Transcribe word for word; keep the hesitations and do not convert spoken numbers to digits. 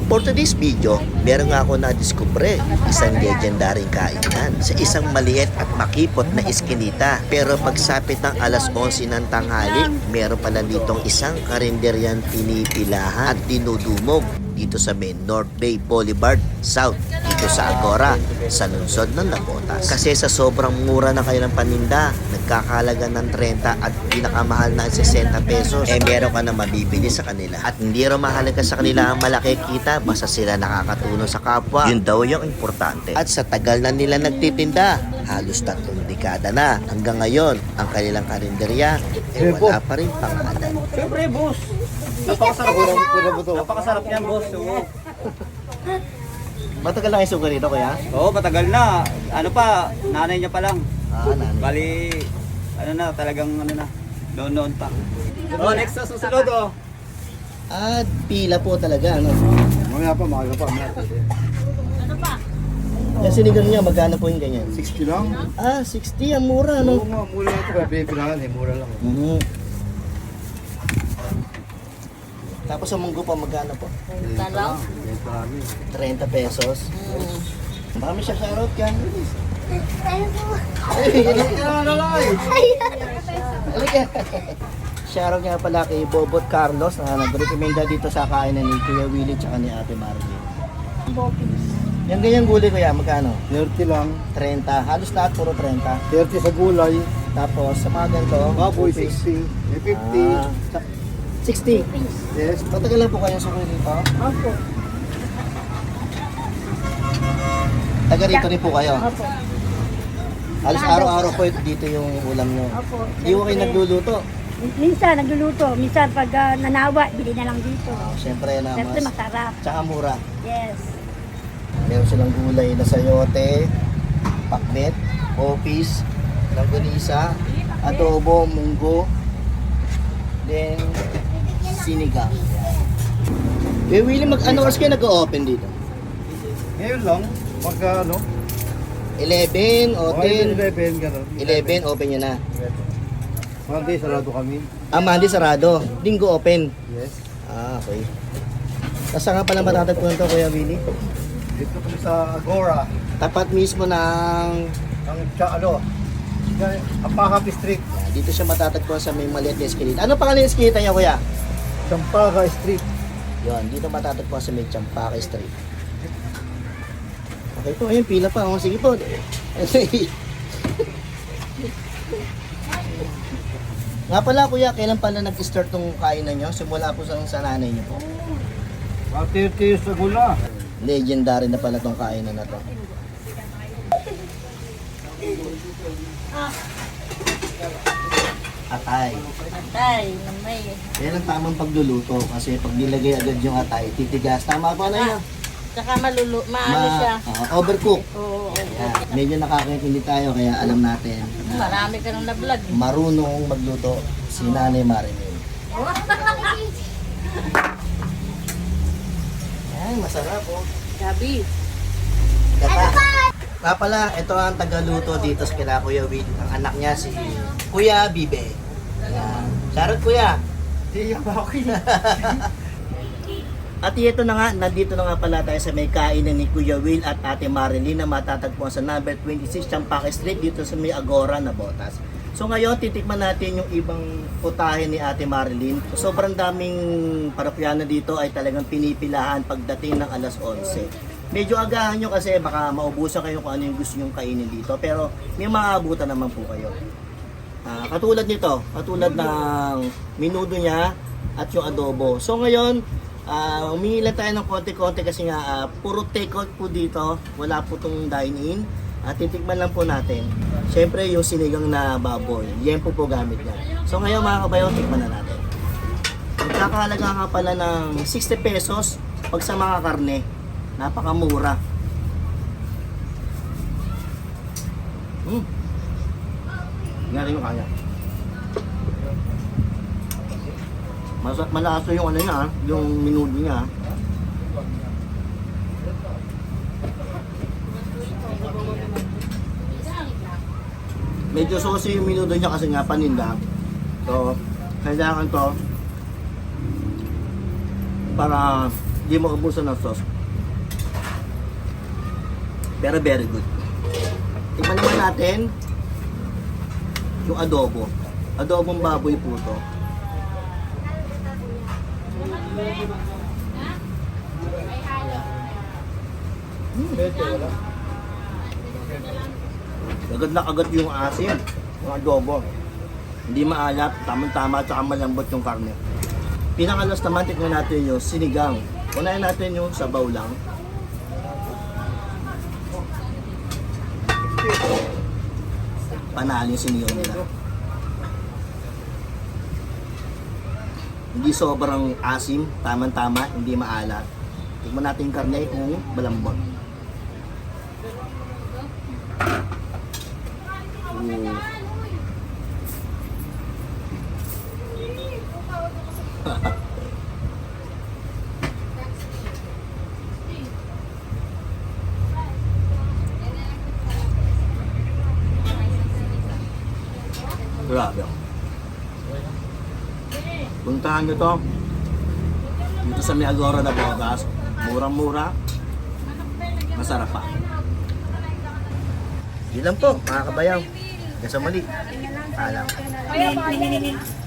For today's video, meron nga ako na-discover isang legendaring kainan sa isang maliit at makipot na iskinita. Pero pagsapit ng alas onse ng tanghali, meron pala ditong isang karinderyan pinipilahan at dinudumog dito sa main North Bay Boulevard South, dito sa Agora, sa lungsod ng Navotas. Kasi sa sobrang mura na kayo ng paninda, nagkakalaga ng thirty at pinakamahal na sixty pesos, eh meron ka na mabibili sa kanila. At hindi rin mahalaga sa kanila ang malaki kita, basta sila nakakatulong sa kapwa. Yun daw yung importante. At sa tagal na nila nagtitinda, halos tatlong dekada na, hanggang ngayon, ang kanilang karinderya, eh wala pa rin pangalan. Siyempre, boss. Napakasarap. Napakasarap niyan, boss. Oo. Matagal lang yung sugar dito, kuya? Oo, matagal na. Ano pa, nanay niya pa lang. Ah, nanay. Bali, ano na, talagang ano na, noon-noon pa. Oh, next na susunod, oh. Ah, pila po talaga, ano? Mamaya pa, maaga pa. Yung sinigang niya, magkano po yung ganyan? sixty lang? Ah, sixty, ang mura, Oo no? nga, mura lang ito. Kaya pinipilangan eh, mura lang. Mhm. Tapos ang munggo pa, magkano po? Benta lang. Benta namin. thirty pesos. Baka may siya shoutout ka. Shoutout nga pala kay Bobot Carlos na nag-recommenda dito sa kainan ni Kuya Willie tsaka ni Ate Marilyn. Yung ganyang gulay kuya, magkano? thirty lang. thirty. Halos lahat puro thirty. thirty sa gulay. Tapos sa mga ganito, Baboy, two piece. sixty. May fifty. Ah, sixty. Yes. Matagal lang po kayong sukuli dito? Opo. Taga rito rin po kayo? Opo. Halos araw-araw po dito yung ulam nyo. Opo. Hindi ko kayo nagluluto. Minsan nagluluto, minsan pag ah, nanawa, bili na lang dito. Oh, Siyempre na Siyempre mas. masarap. Tsaka mura. Yes. Meron silang gulay na sayote, pakbet, opis, langganisa, adobo, munggo, then sinigang. Eh, Willie, mag-ano oras kayo nag-open dito? Ngayon lang, pagka ano, eleven o mga ten? eleven, gano'n. eleven, open nyo na. Monday, sarado kami. Ah, Monday sarado. Linggo open. Yes. Ah, okay. Tapos nga pala matatagpuan to, Kuya Willie? Dito kami sa Agora. Tapat mismo ng... Ang tsa, ano, Apakapi Street. Dito siya matatagpuan sa may maliit na eskinita. Ano pangalan ng eskinita niya, Kuya? Sampaga Street. Yun, dito matatagpuan sa may Champaca Street. Okay po, ayun, pila pa. Oh, sige po. Nga pala, Kuya, kailan pala nag-start tong kainan nyo? Simula po sa, sa nanay nyo po. Mga thirty years ago na. Legendary na pala tong kainan na to. Atay. Tay, may. Yan ang tamang pagluluto kasi pag nilagay agad yung atay, titigas. Tama pa na yun. Tsaka malulu, maano siya. uh, overcook. Oo. Yan. Medyo nakakaintindi tayo kaya alam natin na Marami ka nang na-vlog. marunong magluto si Nanay Marilyn. Ay, masarap oh. Gabi. Gata. Nga pala, ito ang tagaluto dito sa kila Kuya Will. Ang anak niya si Kuya Bibe. Ayan. Shoutout Kuya. Hindi ba ako At ito na nga, nandito na nga pala tayo sa may kainan ni Kuya Will at Ate Marilyn na matatagpuan sa number twenty-six Champaca Street dito sa may Agora, Navotas. So ngayon, titikman natin yung ibang putahe ni Ate Marilyn. So, sobrang daming parapyana dito ay talagang pinipilahan pagdating ng alas onse. Medyo agahan nyo kasi baka maubusan kayo kung ano yung gusto nyong kainin dito. Pero may maabutan naman po kayo. Ah, katulad nito, katulad ng minudo niya at yung adobo. So ngayon, uh, humingi lang tayo ng konti-konti kasi nga uh, puro take-out po dito. Wala po itong dine-in. At titikman lang po natin. Siyempre yung sinigang na baboy. Yan po po gamit niya. So ngayon mga kabayo, tikman na natin. Magkakahalaga nga pala ng sixty pesos pag sa mga karne. Napakamura. Hmm. Nga rin yung kaya. Mas malaso yung ano niya, yung minudo niya. Medyo saucy yung minudo niya kasi nga paninda. So, kailangan to para Hindi mo ubusan ng sauce. Pero very good. Tikman naman natin yung adobo. Adobong baboy po to. Agad na agad yung asin. Yung adobo. Hindi maalat, tamang-tama at saka malambot yung karne. Pinakalas naman, tikman natin yung sinigang. Unahin natin yung sabaw lang. Panalo yung sinigang nila. Hindi sobrang asim, tamang-tama, hindi maalat. Tikman natin yung karne kung malambot. Ooh. Grabe. Puntahan nyo to. Dito sa may Agora na Botas. Murang-mura. Masarap pa. Yun lang po, mga kabayaw. Hanggang sa muli. Paalam.